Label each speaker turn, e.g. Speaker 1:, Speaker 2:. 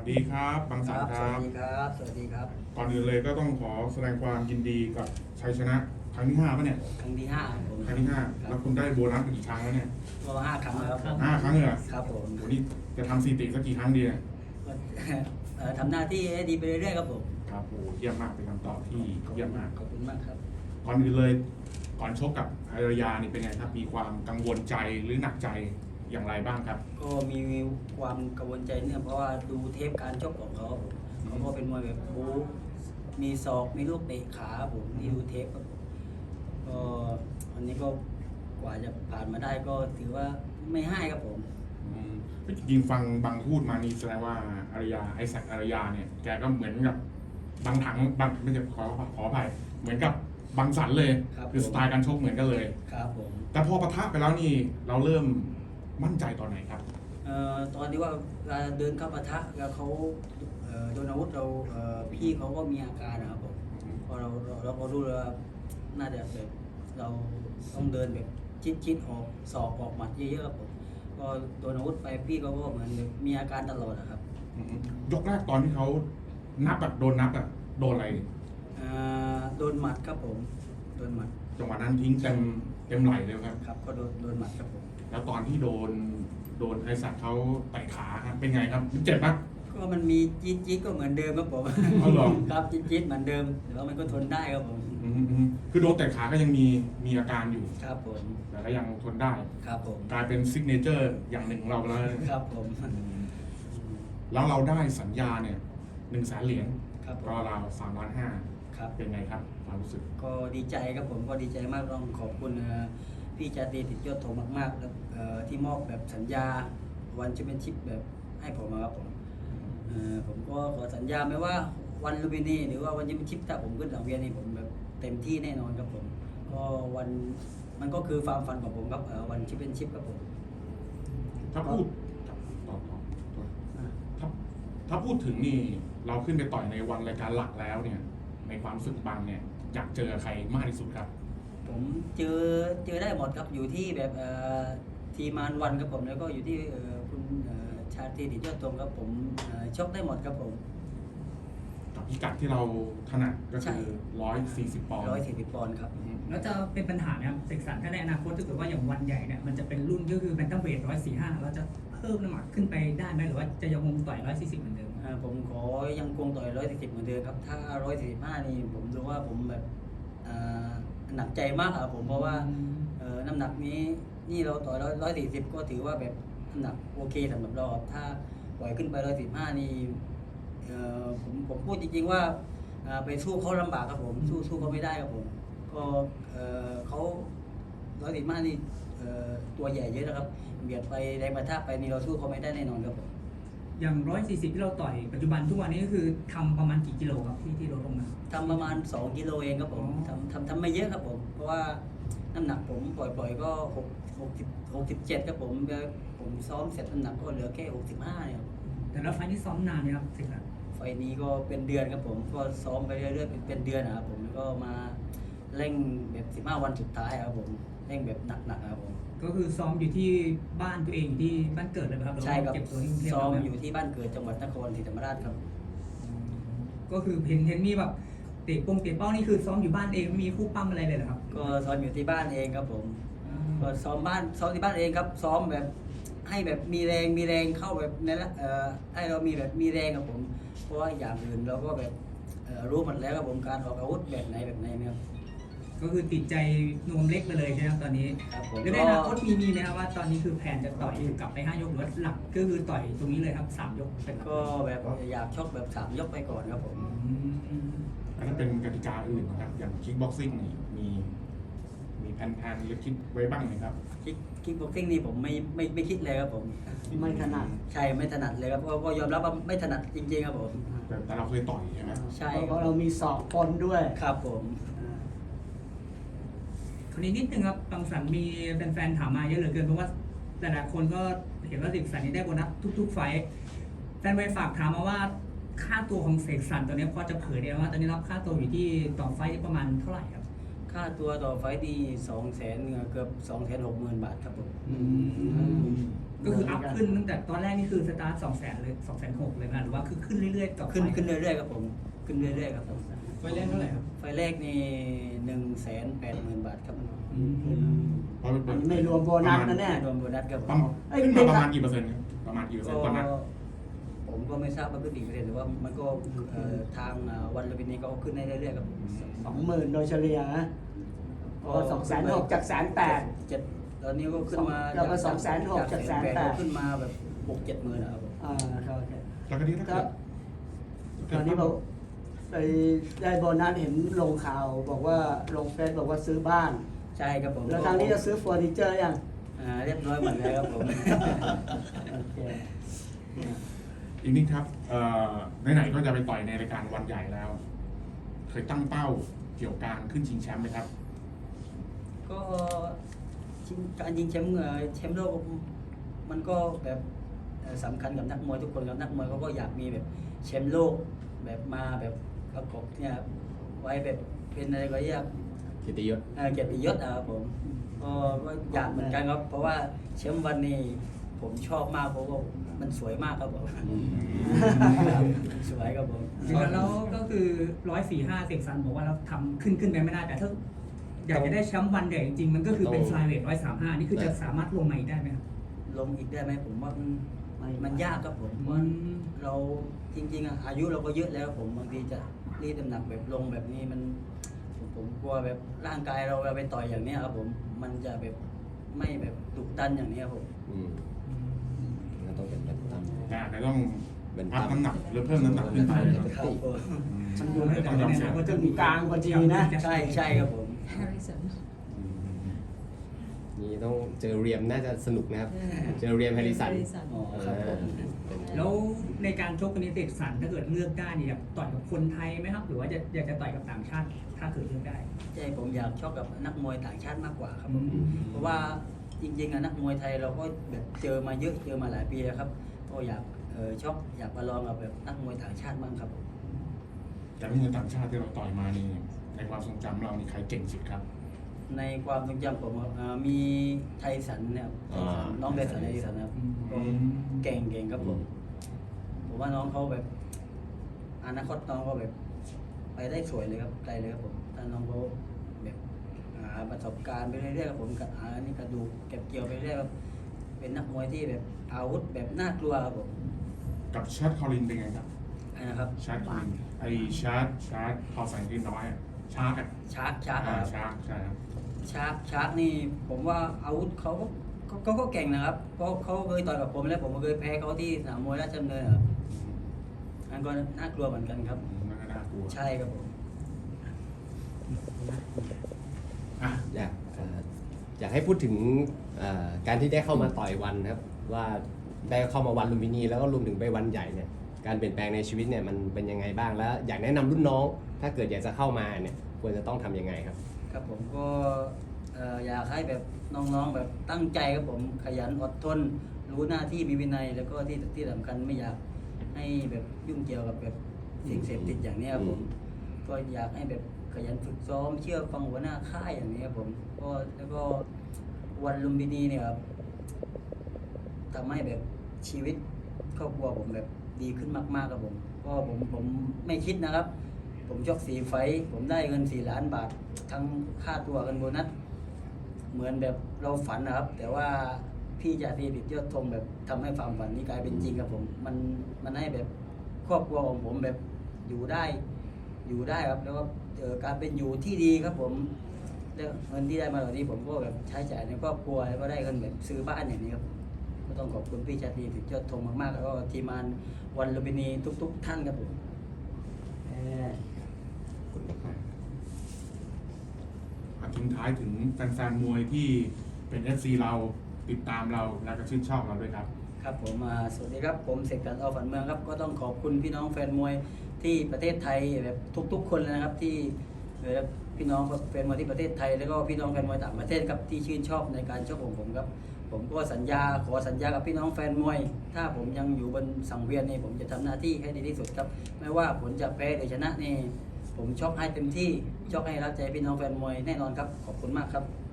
Speaker 1: ดีครับบางสันค
Speaker 2: สวั
Speaker 1: รับ
Speaker 2: สดีครับ สวัสดีครับ
Speaker 1: ก่อนอื่นเลยก็ต้องขอแสดงความยินดีกับชัยชนะครั้งที่5ป่ะเนี่ย
Speaker 2: ครั้งที่ห้าผม
Speaker 1: ครั้งที่ห้า
Speaker 2: ครั
Speaker 1: แล้
Speaker 2: บ
Speaker 1: วคุณได้โบนัสกี่ครั้งแล้วเนี่ย
Speaker 2: ก็5 ครั้งแล้วครับ
Speaker 1: 5 ครั้งเลยเหรอ
Speaker 2: ครับผม
Speaker 1: โหนี่จะทำสถิติสักกี่ครั้งดีเนี่ย
Speaker 2: ก็ ทำหน้าที่ให้ดีไปเรื่อยๆครับผม
Speaker 1: ครับโหเยี่ยมมากเป็นคำตอบที่เยี่ยมมาก
Speaker 2: ขอบคุณมากครับ
Speaker 1: ก่อนอื่นเลยก่อนชกกับอารยานี่เป็นไงครับมีความกังวลใจหรือหนักใจอย่างไรบ้างครับ
Speaker 2: ก็มีความกังวลใจเนี่ยเพราะว่าดูเทปการชกของเขาผมเขาก็เป็นมวยแบบบู๊มีศอกมีลูกเตะขาผมที่ดูเทปครับผมก็อันนี้ก็กว่าจะผ่านมาได้ก็ถือว่าไม่ให้ครับผม
Speaker 1: อืมจริงๆฟังบางพูดมานี่แสดงว่าอารยาไอแซคอารยาเนี่ยแกก็เหมือนกับบางถังบางไม่ใช่ขออภัยเหมือนกับบางสันเลย
Speaker 2: ครับ
Speaker 1: คือสไตล์การชกเหมือนกันเลย
Speaker 2: ครับผม
Speaker 1: แต่พอปะทะไปแล้วนี่เราเริ่มมั่นใจตอนไหนครับ
Speaker 2: ตอนที่ว่าเวลาเดินเข้าปะทะแล้วเขาโดนอาวุธเราพี่เขาก็มีอาการนะครับผมพอเราก็รู้เลยว่าน่าจะแบบเราต้องเดินแบบชิดออกศอกออกหมัดเยอะๆครับผมก็โดนอาวุธไปพี่เขาก็เหมือนแบบมีอาการตลอดนะครับ
Speaker 1: ยกแรกตอนที่เขานับแบบโดนนับอะโดนอะไร
Speaker 2: โดนหมัดครับผมโดนหมัด
Speaker 1: จังหวะนั้นทิ้งเต็มไหลเลยครับ
Speaker 2: ครับก็โดนหมัดครับผม
Speaker 1: แล้วตอนที่โดนไอแซคเขาเตะขาครับเป็นไงครับเจ็บปะ
Speaker 2: ก็มันมีจี๊ดก็เหมือนเดิมครับผม
Speaker 1: เอาเหรอ
Speaker 2: ครับจี๊ดเหมือนเดิมแต่ว่ามันก็ทนได้ครับผม
Speaker 1: คือโดนเตะขาก็ยังมีอาการอยู่
Speaker 2: ครับผม
Speaker 1: แต่ก็ยังทนได้
Speaker 2: ครับผม
Speaker 1: กลายเป็นซิกเนเจอร์อย่างหนึ่งของเราแล้ว
Speaker 2: ครับผม
Speaker 1: แล้วเราได้สัญญาเนี่ย100,000 เหรียญ
Speaker 2: ครับผม
Speaker 1: รอเรา3,500,000
Speaker 2: ครับ
Speaker 1: เป็นไงครับความรู้สึก
Speaker 2: ก็ดีใจครับผมก็ดีใจมากต้องขอบคุณพี่จาตรีติดยศโทมากๆแล้วที่มอบแบบสัญญาวันแชมเปี้ยนชิพแบบให้ผมครับผมผมก็ขอสัญญาไหมว่าวันลูมพินีหรือว่าวันแชมเปี้ยนชิพถ้าผมขึ้นสังเวียนนี่ผมแบบเต็มที่แน่นอนครับผมก็วันมันก็คือความฝันของผมครับวันแชมเปี้ยนชิพครับผม
Speaker 1: ถ้าพูดต่อถ้าถ้าพูดถึงนี่เราขึ้นไปต่อยในวันรายการหลักแล้วเนี่ย ในความรู้สึกบางเนี่ยอยากเจอใครมากที่สุดครับ
Speaker 2: ผมเจอได้หมดครับอยู่ที่แบบทีมานวันครับผมแล้วก็อยู่ที่คุณชาตรีติดยอดธงครับผมชกได้หมดครับผม
Speaker 1: กับพิกัดที่เราถนัดก็
Speaker 2: ใช่
Speaker 1: คือ140 ปอนด์
Speaker 2: 140 ปอนด์ครับ
Speaker 3: แล้วจะเป็นปัญหาไหมครับเสกสรรถ้าในอนาคตถ้าเกิดว่าอย่างวันใหญ่เนี่ยมันจะเป็นรุ่นก็คือแบนตัมเวท145เราจะเพิ่มน้ำหนักขึ้นไปได้ไหมหรือว่าจะยังคงต่อย140เหมือนเดิม
Speaker 2: ผมขอยังคงต่อย140เหมือนเดิมครับถ้า145นี่ผมรู้ว่าผมแบบหนักใจมากครับผมเพราะว่าน้ำหนักนี้นี่เราต่อย140ก็ถือว่าแบบน้ำหนักโอเคสำหรับเราครับถ้าปล่อยขึ้นไป145นี่ผมพูดจริงๆว่าไปสู้เขาลำบากครับผมสู้เขาไม่ได้ครับผมก็เขา145นี่ตัวใหญ่เยอะนะครับเบียดไปแรงประทะไปนี่เราสู้เขาไม่ได้แน่นอนครับผม
Speaker 3: อย่าง140ที่เราต่อยปัจจุบันทุกวันนี้ก็คือทำประมาณกี่กิโลครับที่ลดลงมา
Speaker 2: ทำประมาณ2 กิโลเองครับผม
Speaker 3: อ๋อ
Speaker 2: ทำไม่เยอะครับผม เพราะว่าน้ำหนักผมปล่อยก็67ครับผมแล้วผมซ้อมเสร็จน้ำหนักก็เหลือแค่65เนี่ยครับ
Speaker 3: แต่ละไฟล์นี่ซ้อมนานไหมครับเสกสรร
Speaker 2: ไฟล์นี้ก็เป็นเดือนครับผมก็ซ้อมไปเรื่อยๆเป็นเดือนนะครับผมแล้วก็มาเร่งแบบ15 วันสุดท้ายครับผมเร่งแบบหนักๆครับผม
Speaker 3: ก็คือซ้อมอยู่ที่บ้านตัวเองอยู่ที่บ้านเกิดเลยไหมครับหอว่า
Speaker 2: ใช่ครับ
Speaker 3: เก็บตัวที่กรุงเทพ
Speaker 2: ซ้อม
Speaker 3: ไห
Speaker 2: อยู่ที่บ้านเกิดจังหวัดนครศรีธรรมราชครับ
Speaker 3: ก็คือเห็นมีแบบเตะเป้านี่คือซ้อมอยู่บ้านเองไม่มีคู่ปั้มอะไรเลยเหรอครับ
Speaker 2: ก็ซ้อมอยู่ที่บ้านเองครับผมก็ซ้อมที่บ้านเองครับซ้อมแบบให้แบบมีแรงเข้าแบบในละให้เรามีแบบมีแรงครับผม เพราะว่าอย่างอื่นเราก็แบบรู้หมดแล้วครับผมการออกอาวุธแบบไหนนะครับ
Speaker 3: ก็คือติดใจนวมเล็กไปเลยใช่ไหมครับตอนนี้
Speaker 2: ครับผม
Speaker 3: แล้วในอนาคตมีไหมครับว่าตอนนี้คือแผนจะต่อยกลับไป5 ยกหรือว่าหลักก็คือต่อยตรงนี้เลยครับ3 ยกเป็นหลัก
Speaker 2: ก็แบบอยากชกแบบ3 ยกไปก่อนครับผม
Speaker 1: แล้วถ้าเป็นกติกาอื่นนะครับ อย่างคิกบ็อกซิ่งนี่มีแผนหรือคิดไว้บ้างไหมครับ
Speaker 2: คิกบ็อกซิ่งนี่ผมไม่คิดเลยครับผม
Speaker 4: ไม่ถนัด
Speaker 2: ใช่ไม่ถนัดเลยครับเพราะก็ยอมรับว่าไม่ถนัดจริงๆครับผม
Speaker 1: แต่เราเคยต่อยใช่ไหม
Speaker 2: ใช่
Speaker 4: เพ
Speaker 2: ครั
Speaker 4: ราะ
Speaker 2: บ
Speaker 4: เรามีศอกปนด้วย
Speaker 2: ครับผม
Speaker 3: คนนี้นิดนึงครับบางสันมีแฟนๆถามมาเยอะเหลือเกินเพราะว่าแต่ละคนก็เห็นว่าเสกสรรนี่ได้โบนัสทุกๆไฟท์แฟนไปฝากถามมาว่าค่าตัวของเสกสรรตอนนี้พอจะเผยได้ไหมว่าตอนนี้รับค่าตัวอยู่ที่ต่อไฟท์ประมาณเท่าไหร่ครับ
Speaker 2: ค่าตัวต่อไฟต์ดี200,000เกือบ260,000 บาทครับผม
Speaker 1: แ
Speaker 3: ก็คืออัพขึ้นตั้งแต่ตอนแรกนี่คือสตาร์ท200,000เลย260,000เลยนะหรือว่าคือขึ้นเรื่อยๆต่อไป
Speaker 2: ขึ้นเรื่อยๆครับผมขึ้นเรื่อยๆครับผม
Speaker 3: ไฟแรกเท่าไหร่ครับ
Speaker 2: ไฟแรกนี่180,000 บาทครับ
Speaker 1: เพราะเป็น
Speaker 4: อันนี้ไม่รวมโบนัสนะเนี่ย
Speaker 2: รวมโบนัสครับผ
Speaker 1: ประ
Speaker 2: ม
Speaker 1: มาณขึ้นมาประมาณกี่เปอร์เซ็นต์ครับประมาณกี่เปอร์เซ็นต์ตอนนั้น
Speaker 2: ผมก็ไม่ทราบว่าขึ้นกี่เปอร์เซ็นต์แต่ว่ามันก็ทางวันลุมพินีก็ขึ้นได้เรื่อยๆครับ
Speaker 4: 20,000 โดยเฉลี่ยนะโอ้260,000จาก180,000
Speaker 2: เจ็ดตอนนี้ก็ขึ้นมา
Speaker 4: แล้วก็260,000จาก180,000
Speaker 2: ก็ขึ้นมาแบบ6-7 หมื่นนะครับผม
Speaker 4: ครับโอเค
Speaker 1: แล้วก็นี้ถ้า
Speaker 4: ก็
Speaker 1: เกิด
Speaker 4: ตอนนี้บอกไปได้โบนัสเห็นลงข่าวบอกว่าลงเฟซบอกว่าซื้อบ้าน
Speaker 2: ใช่ครับผม
Speaker 4: แล้วทางนี้จะซื้อเฟอร์นิเจอร์ยัง
Speaker 2: เรียบร้อยหมดแล้วครับผม
Speaker 4: โอเค
Speaker 1: อีกนิดครับไหนๆก็จะไปต่อยในรายการวันใหญ่แล้ว เคยตั้งเป้าเกี่ยวกับการขึ้นชิงแชมป์ไหมครับ
Speaker 2: ก็การยิงแชมป์แชมป์โลกมันก็แบบสำคัญกับนักมวยทุกคนครับนักมวยเขาก็อยากมีแบบแชมป์โลกแบบมาแบบประกบเนี่ยไว้แบบเป็นอะไรก็อยาก
Speaker 5: เกียรติยศ
Speaker 2: เกียรติยศนะครับผมก็อยากเหมือนกันครับ เพราะว่าแชมป์วันนี้ผมชอบมากเพราะว่ามันสวยมากครับผมสวยครับผม
Speaker 3: แล้วก็คือ145เสกสรรบอกว่าเราทำขึ้นไปไม่ได้แต่ถ้าอยากจะได้แชมป์วันใหญ่จริงๆมันก็คือเป็น flyweight 135นี่คือจะสามารถลงมาอีกได้ไหมครับ
Speaker 2: ลงอีกได้ไหมผมว่ามันยากครับผม
Speaker 3: อืม
Speaker 2: ว่าเราจริงๆอายุเราก็เยอะแล้วผมบางทีจะรีดน้ำหนักแบบลงแบบนี้มันผมกลัวแบบร่างกายเราไปต่อยอย่างนี้ครับผมมันจะแบบไม่แบบดุดันอย่างนี้ครับผม
Speaker 5: ก็ต้องเป็นแบบตาม
Speaker 1: แต่อาจจะต้อง
Speaker 5: เป็น
Speaker 1: อัพน้ำหนักหรือเพิ่มน้ำหนักขึ้นไปนะครับ
Speaker 2: ครับผม
Speaker 4: มันอยู่ในกึ่งกลางพอดีนะ
Speaker 2: ใช่ครับผม
Speaker 6: Harrison
Speaker 5: นี่ต้องเจอเรียมน่าจะสนุกนะครับ เจอเรียมแฮร์ริสัน
Speaker 2: อ๋อครับผม
Speaker 3: แล้วในการชกกันนี้เสกสรรถ้าเกิดเลือกได้เนี่ยอยากต่อยกับคนไทยไหมครับ หรือว่าอยากจะต่อยกับต่างชาติถ้าเกิดเลือกได้
Speaker 2: ใช่ผมอยากชอบกับนักมวยต่างชาติมากกว่าครับผม
Speaker 3: อืม
Speaker 2: เพราะว่าจริงๆนักมวยไทยเราก็แบบเจอมาเยอะเจอมาหลายปีแล้วครับก็อยากชอบอยากมาลองกับแบบนักมวยต่างชาติบ้างครับผม
Speaker 1: จากมวยต่างชาติที่เราต่อยมานี่ในความทรงจำเรานี่ใครเก่งสุดครับ
Speaker 2: ในความทรงจำผมมีไทสันเนี่ยไทสันน้องไทสันนะครับ
Speaker 3: อืม
Speaker 2: ก็เก่งครับผมผมว่าน้องเขาแบบอนาคตน้องก็แบบไปได้สวยเลยครับไกลเลยครับผมถ้าน้องเขาแบบหาประสบการณ์ไปเรื่อยๆครับผมกับนี่กระดูกเก็บเกี่ยวไปเรื่อยครับเป็นนักมวยที่แบบอาวุธแบบน่ากลัวครับผม
Speaker 1: กับชาร์ดคอลินเป็นไงครับ
Speaker 2: นะครับ
Speaker 1: ชาร์ดคอลินไอชาร์ดพอใส่ที่น้อยอะชาร์ดอะ
Speaker 2: ชาร์ก
Speaker 1: ชาร์ดใช่ครับ
Speaker 2: ชาร์กนี่ผมว่าอาวุธเขาก็เก่งนะครับเพราะเขาเคยต่อยกับผมแล้วผมก็เคยแพ้เขาที่สนามมวยราชดำเนินครับอันก็น่ากลัวเหมือนกันครับ
Speaker 1: นั่นก็น่ากลัว
Speaker 2: ใช่ครับผม
Speaker 1: อ่ะ
Speaker 5: อยากให้พูดถึงการที่ได้เข้ามาต่อยวันครับ ว่าได้เข้ามาวันลุมพินีแล้วก็รวมถึงไปวันใหญ่เนี่ยการเปลี่ยนแปลงในชีวิตเนี่ยมันเป็นยังไงบ้างแล้วอยากแนะนำรุ่นน้อง ถ้าเกิดอยากจะเข้ามาเนี่ยควรจะต้องทำยังไงครับ
Speaker 2: ครับผมก็อยากให้แบบน้องๆแบบตั้งใจครับผมขยันอดทนรู้หน้าที่มีวินัย แล้วก็ที่สำคัญไม่อยากให้แบบยุ่งเกี่ยวกับแบบสิ่งเสพติดอย่างนี้ครับผมก็อยากให้แบบขยันฝึกซ้อมเชื่อฟังหัวหน้าค่ายอย่างนี้ครับผมก็แล้วก็วันลุมพินีเนี่ยครับทำให้แบบชีวิตครอบครัวผมแบบดีขึ้นมากๆครับผมก็ผมไม่คิดนะครับ ผมชก4 ไฟต์ผมได้เงิน4 ล้านบาททั้งค่าตัวกันโบนัสเหมือนแบบเราฝันนะครับ แต่ว่าพี่จ่าตีดิตยอดธงแบบทำให้ความฝันนี้กลายเป็นจริงครับผมมันให้แบบครอบครัวของผมแบบอยู่ได้ครับแล้วก็การเป็นอยู่ที่ดีครับผมแล้วเงินที่ได้มาเหล่านี้ผมก็แบบใช้จ่ายในครอบครัวแล้วก็ได้เงินแบบซื้อบ้านอย่างนี้ครับก็ต้องขอบคุณพี่ชาตรีดิตยอดธงมากๆแล้วก็ทีมงานวันลุมพินีทุกๆท่านครับผม
Speaker 1: ทิ้งท้ายถึงแฟนๆมวยที่เป็น FC เราติดตามเราและก็ชื่นชอบเราด้วยครับ
Speaker 2: ครับผมสวัสดีครับผมเสกสรร อ.ฝันเมืองครับก็ต้องขอบคุณพี่น้องแฟนมวยที่ประเทศไทยแบบทุกๆคนเลยนะครับที่พี่น้องแฟนมวยที่ประเทศไทยแล้วก็พี่น้องแฟนมวยต่างประเทศครับที่ชื่นชอบในการชกของผมครับผมก็ขอสัญญากับพี่น้องแฟนมวย ถ้าผมยังอยู่บนสังเวียนนี่ผมจะทำหน้าที่ให้ดีที่สุดครับไม่ว่าผลจะแพ้หรือชนะนี่ผมชกให้เต็มที่ชกให้รับใจพี่น้องแฟนมวยแน่นอนครับขอบคุณมากครับ